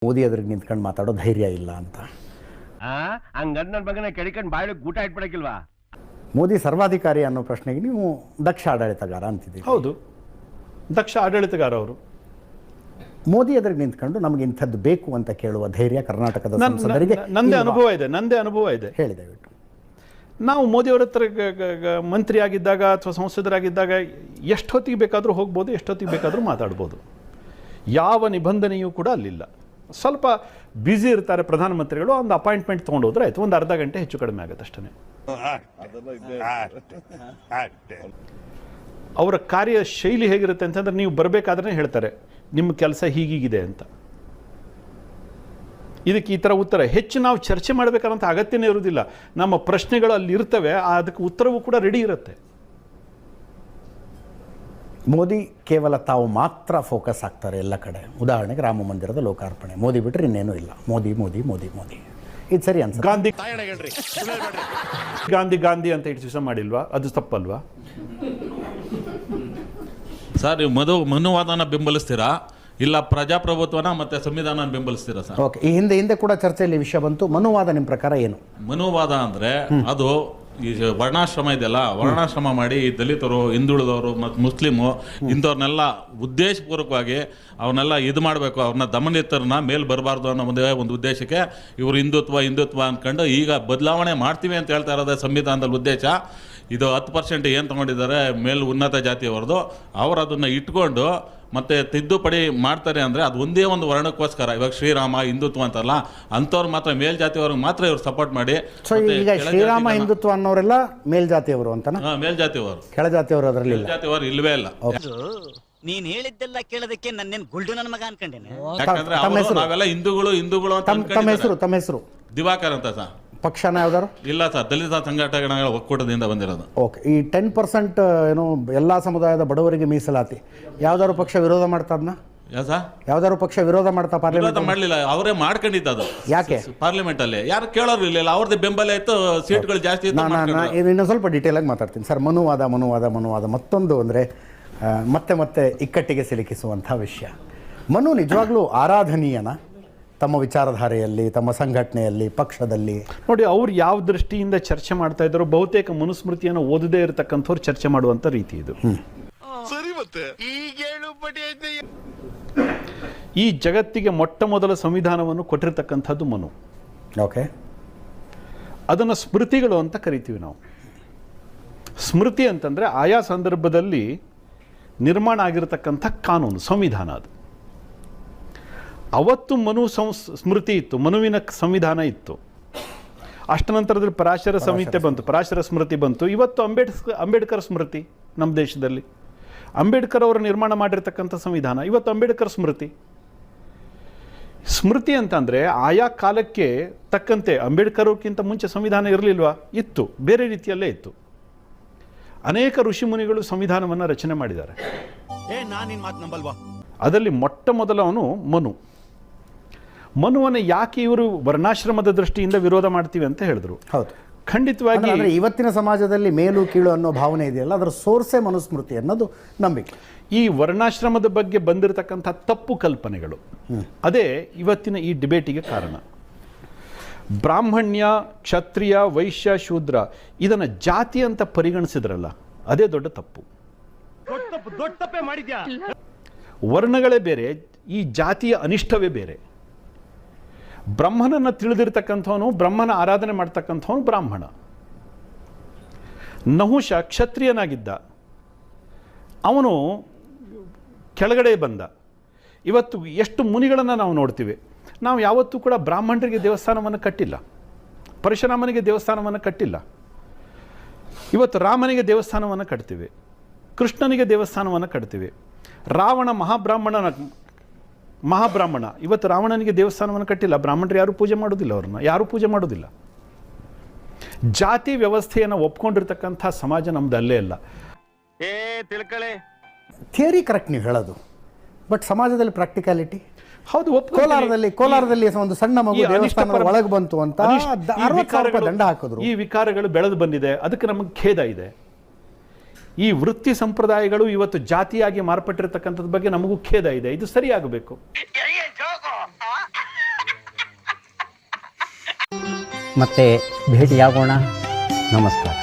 ಮೋದಿ ಎದುರಿಗೆ ನಿಂತ್ಕೊಂಡು ಮಾತಾಡೋ ಧೈರ್ಯ ಇಲ್ಲ ಅಂತ. ಹಂಗಂದ್ ನನ್ನ ಮಗನ ಕೆಡಿಕೊಂಡು ಬಾಯಿಗೆ ಊಟ ಇಟ್ಬಿಡಕ್ಕಿಲ್ವಾ? ಮೋದಿ ಸರ್ವಾಧಿಕಾರಿ ಅನ್ನೋ ಪ್ರಶ್ನೆಗೆ ನೀವು ದಕ್ಷ ಆಡಳಿತಗಾರ ಅಂತಿದ್ದೀರಿ. ಹೌದು, ದಕ್ಷ ಆಡಳಿತಗಾರ ಅವರು. ಮೋದಿ ಎದುರಿಗೆ ನಿಂತ್ಕೊಂಡು ನಮಗೆ ಇಂಥದ್ದು ಬೇಕು ಅಂತ ಕೇಳುವ ಧೈರ್ಯ ಕರ್ನಾಟಕದ ಸಂಸದರಿಗೆ ನಂದೇ ಅನುಭವ ಇದೆ. ಹೇಳಿ ದಯವಿಟ್ಟು. ನಾವು ಮೋದಿಯವರ ಹತ್ರ ಮಂತ್ರಿ ಆಗಿದ್ದಾಗ ಅಥವಾ ಸಂಸದರಾಗಿದ್ದಾಗ ಎಷ್ಟೊತ್ತಿಗೆ ಬೇಕಾದರೂ ಹೋಗ್ಬೋದು, ಎಷ್ಟೊತ್ತಿಗೆ ಬೇಕಾದರೂ ಮಾತಾಡ್ಬೋದು. ಯಾವ ನಿಬಂಧನೆಯೂ ಕೂಡ ಅಲ್ಲಿಲ್ಲ. ಸ್ವಲ್ಪ ಬ್ಯುಸಿ ಇರ್ತಾರೆ ಪ್ರಧಾನಮಂತ್ರಿಗಳು, ಒಂದು ಅಪಾಯಿಂಟ್ಮೆಂಟ್ ತೊಗೊಂಡು ಹೋದ್ರೆ ಆಯ್ತು, ಒಂದು ಅರ್ಧ ಗಂಟೆ ಹೆಚ್ಚು ಕಡಿಮೆ ಆಗುತ್ತೆ ಅಷ್ಟೇ. ಅವರ ಕಾರ್ಯ ಶೈಲಿ ಹೇಗಿರುತ್ತೆ ಅಂತಂದ್ರೆ, ನೀವು ಬರಬೇಕಾದ್ರೆ ಹೇಳ್ತಾರೆ ನಿಮ್ಮ ಕೆಲಸ ಹೀಗೀಗಿದೆ ಅಂತ. ಇದಕ್ಕೆ ಈ ಥರ ಉತ್ತರ ಹೆಚ್ಚು ನಾವು ಚರ್ಚೆ ಮಾಡಬೇಕಾದಂಥ ಅಗತ್ಯನೇ ಇರುವುದಿಲ್ಲ. ನಮ್ಮ ಪ್ರಶ್ನೆಗಳು ಅಲ್ಲಿ ಇರ್ತವೆ, ಅದಕ್ಕೆ ಉತ್ತರವೂ ಕೂಡ ರೆಡಿ ಇರುತ್ತೆ. ಮೋದಿ ಕೇವಲ ತಾವು ಮಾತ್ರ ಫೋಕಸ್ ಆಗ್ತಾರೆ ಎಲ್ಲ ಕಡೆ. ಉದಾಹರಣೆಗೆ ರಾಮ ಮಂದಿರದ ಲೋಕಾರ್ಪಣೆ, ಮೋದಿ ಬಿಟ್ಟರೆ ಇನ್ನೇನೂ ಇಲ್ಲ. ಮೋದಿ ಮೋದಿ ಮೋದಿ ಮೋದಿ. ಇದು ಸರಿ ಅನ್ಸುತ್ತೆ. ಗಾಂಧಿ ಅಂತ ಇಷ್ಟು ದಿವಸ ಮಾಡಿಲ್ವಾ? ಅದು ತಪ್ಪಲ್ವಾ ಸರ್? ನೀವು ಮನುವಾದನ ಬೆಂಬಲಿಸ್ತೀರಾ ಇಲ್ಲ ಪ್ರಜಾಪ್ರಭುತ್ವನ ಮತ್ತೆ ಸಂವಿಧಾನ ಬೆಂಬಲಿಸ್ತೀರಾ ಸರ್? ಓಕೆ, ಈ ಹಿಂದೆ ಕೂಡ ಚರ್ಚೆಯಲ್ಲಿ ವಿಷಯ ಬಂತು. ಮನುವಾದ ನಿಮ್ಮ ಪ್ರಕಾರ ಏನು? ಮನುವಾದ ಅಂದ್ರೆ ಅದು ಈ ವರ್ಣಾಶ್ರಮ ಇದೆಯಲ್ಲ, ವರ್ಣಾಶ್ರಮ ಮಾಡಿ ಈ ದಲಿತರು, ಹಿಂದುಳಿದವರು ಮತ್ತು ಮುಸ್ಲಿಮು ಇಂಥವ್ರನ್ನೆಲ್ಲ ಉದ್ದೇಶಪೂರ್ವಕವಾಗಿ ಅವನ್ನೆಲ್ಲ ಇದು ಮಾಡಬೇಕು, ಅವ್ರನ್ನ ದಮನಿತರನ್ನ ಮೇಲೆ ಬರಬಾರ್ದು ಅನ್ನೋ ಒಂದು ಉದ್ದೇಶಕ್ಕೆ ಇವರು ಹಿಂದುತ್ವ ಅಂದ್ಕೊಂಡು ಈಗ ಬದಲಾವಣೆ ಮಾಡ್ತೀವಿ ಅಂತ ಹೇಳ್ತಾ ಇರೋದೇ ಸಂವಿಧಾನದಲ್ಲಿ ಉದ್ದೇಶ. ಇದು 10% ಏನು ತೊಗೊಂಡಿದ್ದಾರೆ ಮೇಲ್ ಉನ್ನತ ಜಾತಿಯವರದು, ಅವರು ಅದನ್ನು ಇಟ್ಕೊಂಡು ಮತ್ತೆ ತಿದ್ದುಪಡಿ ಮಾಡ್ತಾರೆ ಅಂದರೆ ಅದು ಒಂದೇ ಒಂದು ವರ್ಣಕ್ಕೋಸ್ಕರ. ಇವಾಗ ಶ್ರೀರಾಮ ಹಿಂದುತ್ವ ಅಂತಲ್ಲ, ಅಂಥವ್ರು ಮಾತ್ರ ಮೇಲ್ಜಾತಿಯವ್ರಿಗೆ ಮಾತ್ರ ಇವ್ರು ಸಪೋರ್ಟ್ ಮಾಡಿ. ಈಗ ಶ್ರೀರಾಮ ಹಿಂದುತ್ವ ಅನ್ನೋರೆಲ್ಲ ಮೇಲ್ಜಾತಿಯವರು ಅಂತ? ಮೇಲ್ಜಾತಿಯವರು, ಕೆಳಜಾತಿಯವರು ಅದರಲ್ಲಿ ಮೇಲ್ಜಾತಿಯವರು ಇಲ್ವೇ ಇಲ್ಲ. ನೀನ್ ಹೇಳಿದ್ದೆಲ್ಲ ಕೇಳೋದಕ್ಕೆ ನನ್ನೇನ್ ಗುಲ್ಡು ನನ್ನ ಮಗ ಅನ್ಕೊಂಡೇನೆ. ಯಾಕಂದ್ರೆ ನಾವೆಲ್ಲ ಹಿಂದೂಗಳು ಅಂತ. ತಮ್ಮ ಹೆಸರು ದಿವಾಕರ್ ಅಂತ ಸರ್. ಪಕ್ಷನ ಯಾವ್ದಾರು? ಇಲ್ಲ ಸರ್, ದಲಿತ ಸಂಘಟನೆಗಳ ಒಕ್ಕೂಟದಿಂದ ಬಂದಿರೋದು. ಓಕೆ, ಈ 10% ಏನು ಎಲ್ಲ ಸಮುದಾಯದ ಬಡವರಿಗೆ ಮೀಸಲಾತಿ ಯಾವ್ದಾದ್ರು ಪಕ್ಷ ವಿರೋಧ ಮಾಡ್ತಾ ಅದನ್ನ? ಯಾವ್ದಾದ್ರು ಪಕ್ಷ ವಿರೋಧ ಮಾಡ್ತಾ ಪಾರ್ಲಿಮೆಂಟ್ ಮಾಡ್ಲಿಲ್ಲ, ಅವರೇ ಮಾಡ್ಕೊಂಡಿದ್ದು. ಅದು ಯಾಕೆ ಪಾರ್ಲಿಮೆಂಟ್ ಅಲ್ಲಿ ಯಾರು ಕೇಳೋರು ಇಲ್ಲ, ಅವ್ರದ್ದು ಬೆಂಬಲ ಇತ್ತು, ಸೀಟ್ಗಳು ಜಾಸ್ತಿ ಇತ್ತು. ಇನ್ನೊಂದು ಸ್ವಲ್ಪ ಡೀಟೇಲ್ ಆಗಿ ಮಾತಾಡ್ತೀನಿ ಸರ್. ಮನುವಾದ ಮತ್ತೊಂದು ಅಂದರೆ ಮತ್ತೆ ಇಕ್ಕಟ್ಟಿಗೆ ಸಿಲುಕಿಸುವಂಥ ವಿಷಯ. ಮನು ನಿಜವಾಗ್ಲೂ ಆರಾಧನೀಯನ ತಮ್ಮ ವಿಚಾರಧಾರೆಯಲ್ಲಿ, ತಮ್ಮ ಸಂಘಟನೆಯಲ್ಲಿ, ಪಕ್ಷದಲ್ಲಿ? ನೋಡಿ, ಅವ್ರು ಯಾವ ದೃಷ್ಟಿಯಿಂದ ಚರ್ಚೆ ಮಾಡ್ತಾ ಇದ್ರು, ಬಹುತೇಕ ಮನುಸ್ಮೃತಿಯನ್ನು ಓದದೇ ಇರತಕ್ಕಂಥವ್ರು ಚರ್ಚೆ ಮಾಡುವಂಥ ರೀತಿ ಇದು. ಈ ಜಗತ್ತಿಗೆ ಮೊಟ್ಟ ಮೊದಲ ಸಂವಿಧಾನವನ್ನು ಕೊಟ್ಟಿರ್ತಕ್ಕಂಥದ್ದು ಮನು. ಓಕೆ, ಅದನ್ನು ಸ್ಮೃತಿಗಳು ಅಂತ ಕರಿತೀವಿ ನಾವು. ಸ್ಮೃತಿ ಅಂತಂದರೆ ಆಯಾ ಸಂದರ್ಭದಲ್ಲಿ ನಿರ್ಮಾಣ ಆಗಿರತಕ್ಕಂಥ ಕಾನೂನು, ಸಂವಿಧಾನ. ಅದು ಅವತ್ತು ಸ್ಮೃತಿ ಇತ್ತು, ಮನುವಿನ ಸಂವಿಧಾನ ಇತ್ತು. ಅಷ್ಟ ನಂತರದಲ್ಲಿ ಪರಾಶರ ಸಂಹಿತೆ ಬಂತು, ಪರಾಶರ ಸ್ಮೃತಿ ಬಂತು. ಇವತ್ತು ಅಂಬೇಡ್ಕರ್ ಸ್ಮೃತಿ ನಮ್ಮ ದೇಶದಲ್ಲಿ. ಅಂಬೇಡ್ಕರ್ ಅವರು ನಿರ್ಮಾಣ ಮಾಡಿರ್ತಕ್ಕಂಥ ಸಂವಿಧಾನ ಇವತ್ತು ಅಂಬೇಡ್ಕರ್ ಸ್ಮೃತಿ ಅಂತಂದರೆ ಆಯಾ ಕಾಲಕ್ಕೆ ತಕ್ಕಂತೆ. ಅಂಬೇಡ್ಕರ್ ಅವ್ರಿಗಿಂತ ಮುಂಚೆ ಸಂವಿಧಾನ ಇರಲಿಲ್ವಾ? ಇತ್ತು, ಬೇರೆ ರೀತಿಯಲ್ಲೇ ಇತ್ತು. ಅನೇಕ ಋಷಿಮುನಿಗಳು ಸಂವಿಧಾನವನ್ನು ರಚನೆ ಮಾಡಿದ್ದಾರೆ. ಅದರಲ್ಲಿ ಮೊಟ್ಟ ಮೊದಲವನು ಮನುವನ್ನು ಯಾಕೆ ಇವರು ವರ್ಣಾಶ್ರಮದ ದೃಷ್ಟಿಯಿಂದ ವಿರೋಧ ಮಾಡ್ತೀವಿ ಅಂತ ಹೇಳಿದ್ರು. ಹೌದು, ಖಂಡಿತವಾಗಿ. ಇವತ್ತಿನ ಸಮಾಜದಲ್ಲಿ ಮೇಲು ಕೀಳು ಅನ್ನೋ ಭಾವನೆ ಇದೆಯಲ್ಲ, ಅದರ ಸೋರ್ಸೇ ಮನುಸ್ಮೃತಿ ಅನ್ನೋದು ನಂಬಿಕೆ. ಈ ವರ್ಣಾಶ್ರಮದ ಬಗ್ಗೆ ಬಂದಿರತಕ್ಕಂಥ ತಪ್ಪು ಕಲ್ಪನೆಗಳು, ಅದೇ ಇವತ್ತಿನ ಈ ಡಿಬೇಟಿಗೆ ಕಾರಣ. ಬ್ರಾಹ್ಮಣ್ಯ, ಕ್ಷತ್ರಿಯ, ವೈಶ್ಯ, ಶೂದ್ರ ಇದನ್ನು ಜಾತಿ ಅಂತ ಪರಿಗಣಿಸಿದ್ರಲ್ಲ, ಅದೇ ದೊಡ್ಡ ತಪ್ಪು. ವರ್ಣಗಳೇ ಬೇರೆ, ಈ ಜಾತಿಯ ಅನಿಷ್ಟವೇ ಬೇರೆ. ಬ್ರಹ್ಮನನ್ನು ತಿಳಿದಿರ್ತಕ್ಕಂಥವನು, ಬ್ರಹ್ಮನ ಆರಾಧನೆ ಮಾಡ್ತಕ್ಕಂಥವನು ಬ್ರಾಹ್ಮಣ. ನಹುಷ ಕ್ಷತ್ರಿಯನಾಗಿದ್ದ, ಅವನು ಕೆಳಗಡೆ ಬಂದ. ಇವತ್ತು ಎಷ್ಟು ಮುನಿಗಳನ್ನು ನಾವು ನೋಡ್ತೀವಿ. ನಾವು ಯಾವತ್ತೂ ಕೂಡ ಬ್ರಾಹ್ಮಣರಿಗೆ ದೇವಸ್ಥಾನವನ್ನು ಕಟ್ಟಿಲ್ಲ, ಪರಶುರಾಮನಿಗೆ ದೇವಸ್ಥಾನವನ್ನು ಕಟ್ಟಿಲ್ಲ. ಇವತ್ತು ರಾಮನಿಗೆ ದೇವಸ್ಥಾನವನ್ನು ಕಟ್ತೀವಿ, ಕೃಷ್ಣನಿಗೆ ದೇವಸ್ಥಾನವನ್ನು ಕಟ್ತೀವಿ. ರಾವಣ ಮಹಾಬ್ರಾಹ್ಮಣ, ಇವತ್ತು ರಾವಣನಿಗೆ ದೇವಸ್ಥಾನವನ್ನು ಕಟ್ಟಿಲ್ಲ. ಬ್ರಾಹ್ಮಣರು ಯಾರು ಪೂಜೆ ಮಾಡೋದಿಲ್ಲ, ಅವ್ರನ್ನ ಯಾರೂ ಪೂಜೆ ಮಾಡೋದಿಲ್ಲ. ಜಾತಿ ವ್ಯವಸ್ಥೆಯನ್ನು ಒಪ್ಕೊಂಡಿರ್ತಕ್ಕಂಥ ಸಮಾಜ ನಮ್ದು ಅಲ್ಲೇ ಇಲ್ಲ. ಥಿಯರಿ ಕರೆಕ್ಟ್ ನೀವು ಹೇಳೋದು, ಬಟ್ ಸಮಾಜದಲ್ಲಿ ಪ್ರಾಕ್ಟಿಕಾಲಿಟಿ? ಹೌದು, ಕೋಲಾರದಲ್ಲಿ ಒಂದು ಸಣ್ಣ ಮಗು ದೇವಸ್ಥಾನದ ಒಳಗೆ ಬಂತು ಅಂತ 60,000 ರೂಪಾಯಿ ದಂಡ ಹಾಕಿದ್ರು. ಈ ವಿಕಾರಗಳು ಬೆಳೆದು ಬಂದಿದೆ, ಅದಕ್ಕೆ ನಮಗೆ ಖೇದ ಇದೆ. ಈ ವೃತ್ತಿ ಸಂಪ್ರದಾಯಗಳು ಇವತ್ತು ಜಾತಿಯಾಗಿ ಮಾರ್ಪಟ್ಟಿರ್ತಕ್ಕಂಥದ್ರ ಬಗ್ಗೆ ನಮಗೂ ಖೇದ ಇದೆ. ಇದು ಸರಿಯಾಗಬೇಕು. ಮತ್ತೆ ಭೇಟಿಯಾಗೋಣ. ನಮಸ್ಕಾರ.